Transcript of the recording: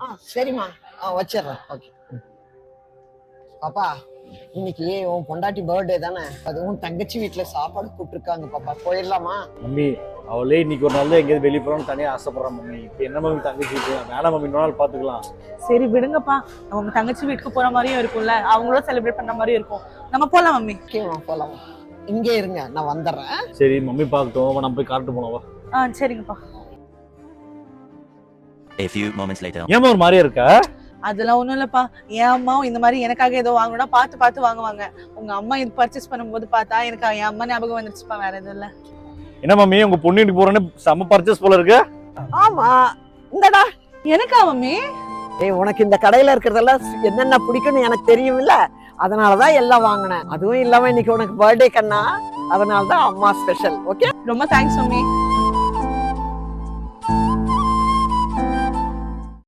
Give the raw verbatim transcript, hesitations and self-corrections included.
ஆ சரிம்மா, ஆ வச்சிடுறேன். ஓகே பாப்பா, இன்னைக்கு உன் பொண்டாட்டி பர்த்டே தானே, அதுவும் தங்கச்சி வீட்டுல சாப்பாடு கூப்பிட்டுருக்காங்க பாப்பா, போயிடலாமா? மம்மி அவளே இன்னைக்கு ஒரு நாள் எங்கேயாவது வெளியே போகணும்னு தனியாக ஆசைப்படுறான் மம்மி. இப்போ என்ன மம்மி தங்கச்சி வேணாம் மம்மி, இன்னொரு நாள் பார்த்துக்கலாம். சரி விடுங்கப்பா, அவங்க தங்கச்சி வீட்டுக்கு போற மாதிரியும் இருக்கும்ல, அவங்களும் செலிப்ரேட் பண்ண மாதிரியும் இருக்கும். நம்ம போலாம் மம்மி. ஓகேம்மா போலாம், இங்கே இருங்க நான் வந்துடுறேன். சரி மம்மி பார்க்கட்டும், நம்ம போய் காட்டு போனவா. ஆ சரிங்கப்பா. A few moments later. ஏமா ஒரு மாதிரியா இருக்கா? அதெல்லாம் ஒண்ணும் இல்லப்பா, என் அம்மாவும் இந்த மாதிரி எனக்காக ஏதோ வாங்கணும்னா பார்த்து பார்த்து வாங்குவாங்க. உங்க அம்மா இது பர்ச்சேஸ் பண்ணும்போது பார்த்தா எனக்கு என் அம்மா ஞாபகம் வந்துருச்சுப்பா, வேற எதுவும் இல்ல. என்ன மம்மி உங்க பொண்ணு வீட்டுக்கு போறேன்னு செம்ம பர்ச்சேஸ் போல இருக்கு. ஆமா, இந்தடா. எனக்கா மம்மி? ஏய், உனக்கு இந்த கடையில இருக்கிறதெல்லாம் என்னென்ன பிடிக்கும்னு எனக்கு தெரியும்ல, அதனாலதான் எல்லாம் வாங்கினேன். அதுவும் இல்லாம இன்னைக்கு உனக்கு பர்த்டே கண்ணா, அதனாலதான் அம்மா ஸ்பெஷல். ஓகே, ரொம்ப தேங்க்ஸ் மம்மி.